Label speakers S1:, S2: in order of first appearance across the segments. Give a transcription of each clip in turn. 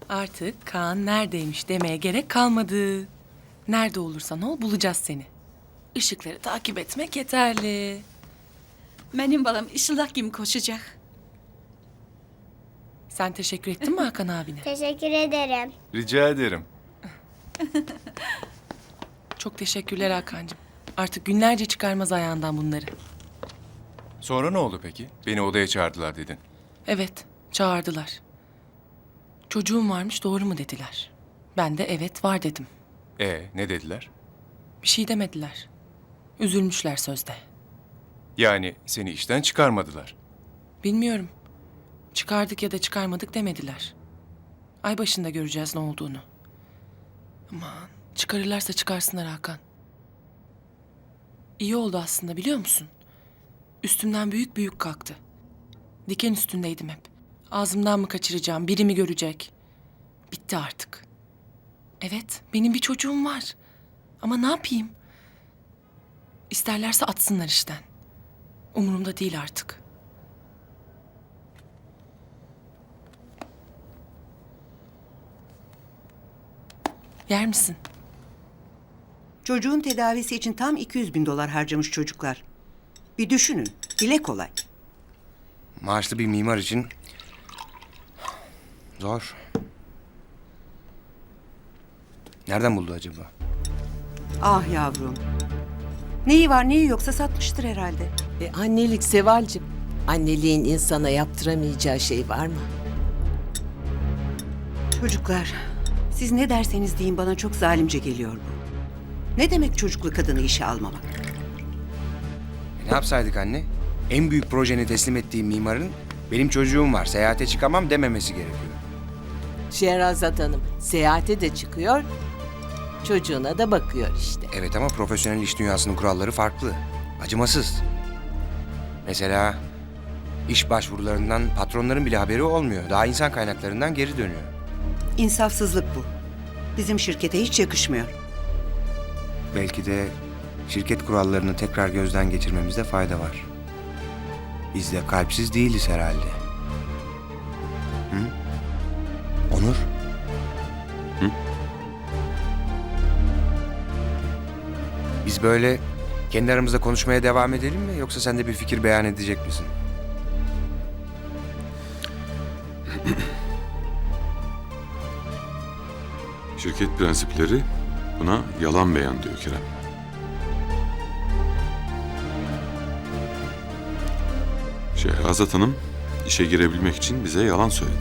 S1: Artık Kaan neredeymiş demeye gerek kalmadı. Nerede olursan ol bulacağız seni. Işıkları takip etmek yeterli.
S2: Benim balam ışıldak gibi koşacak.
S1: Sen teşekkür ettin mi Hakan abine?
S3: Teşekkür ederim.
S4: Rica ederim.
S1: Çok teşekkürler Hakan'cığım. Artık günlerce çıkarmaz ayağından bunları.
S4: Sonra ne oldu peki? Beni odaya çağırdılar dedin.
S1: Evet, çağırdılar. Çocuğum varmış doğru mu dediler. Ben de evet var dedim.
S4: Ne dediler?
S1: Bir şey demediler. Üzülmüşler sözde.
S4: Yani seni işten çıkarmadılar.
S1: Bilmiyorum. Çıkardık ya da çıkarmadık demediler. Ay başında göreceğiz ne olduğunu. Aman çıkarırlarsa çıkarsınlar Hakan. İyi oldu aslında biliyor musun? Üstümden büyük büyük kalktı. Diken üstündeydim hep. Ağzımdan mı kaçıracağım, biri mi görecek? Bitti artık. Evet, benim bir çocuğum var. Ama ne yapayım? İsterlerse atsınlar işten. Umurumda değil artık. Yer misin?
S5: Çocuğun tedavisi için tam 200.000 dolar harcamış çocuklar. Bir düşünün, dile kolay.
S6: Maaşlı bir mimar için zor. Nereden buldu acaba?
S5: Ah yavrum. Neyi var neyi yoksa satmıştır herhalde.
S7: Annelik Sevalcığım. Anneliğin insana yaptıramayacağı şey var mı?
S5: Çocuklar, siz ne derseniz deyin bana çok zalimce geliyor bu. Ne demek çocuklu kadını işe almamak?
S6: Ne yapsaydık anne? En büyük projeni teslim ettiği mimarın benim çocuğum var, seyahate çıkamam dememesi gerekiyor.
S7: Şehrazat Hanım seyahate de çıkıyor, çocuğuna da bakıyor işte.
S6: Evet ama profesyonel iş dünyasının kuralları farklı. Acımasız. Mesela iş başvurularından patronların bile haberi olmuyor. Daha insan kaynaklarından geri dönüyor.
S5: İnsafsızlık bu. Bizim şirkete hiç yakışmıyor.
S6: Belki de şirket kurallarını tekrar gözden geçirmemizde fayda var. Biz de kalpsiz değiliz herhalde. Hı? Onur?
S4: Hı?
S6: Biz böyle kendi aramızda konuşmaya devam edelim mi? Yoksa sen de bir fikir beyan edecek misin?
S8: Şirket prensipleri buna yalan beyan diyor Kerem. Şehrazat Hanım işe girebilmek için bize yalan söyledi.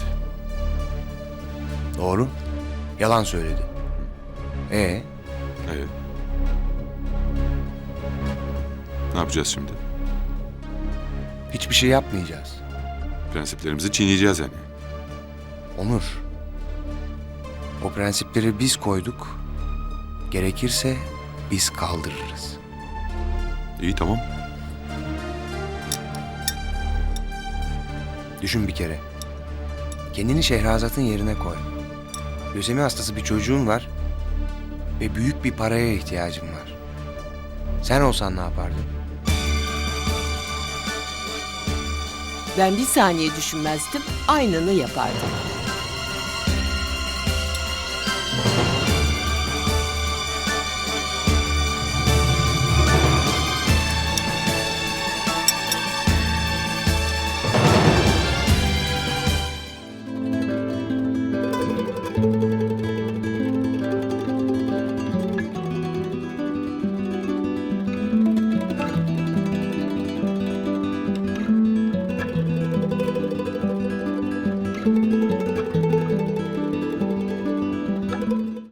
S6: Doğru. Yalan söyledi.
S8: Evet. Ne yapacağız şimdi?
S6: Hiçbir şey yapmayacağız.
S8: Prensiplerimizi çiğneyeceğiz yani.
S6: Onur. O prensipleri biz koyduk. Gerekirse biz kaldırırız.
S8: İyi tamam.
S6: Düşün bir kere. Kendini Şehrazat'ın yerine koy. Lösemi hastası bir çocuğun var ve büyük bir paraya ihtiyacın var. Sen olsan ne yapardın?
S7: Ben bir saniye düşünmezdim, aynını yapardım.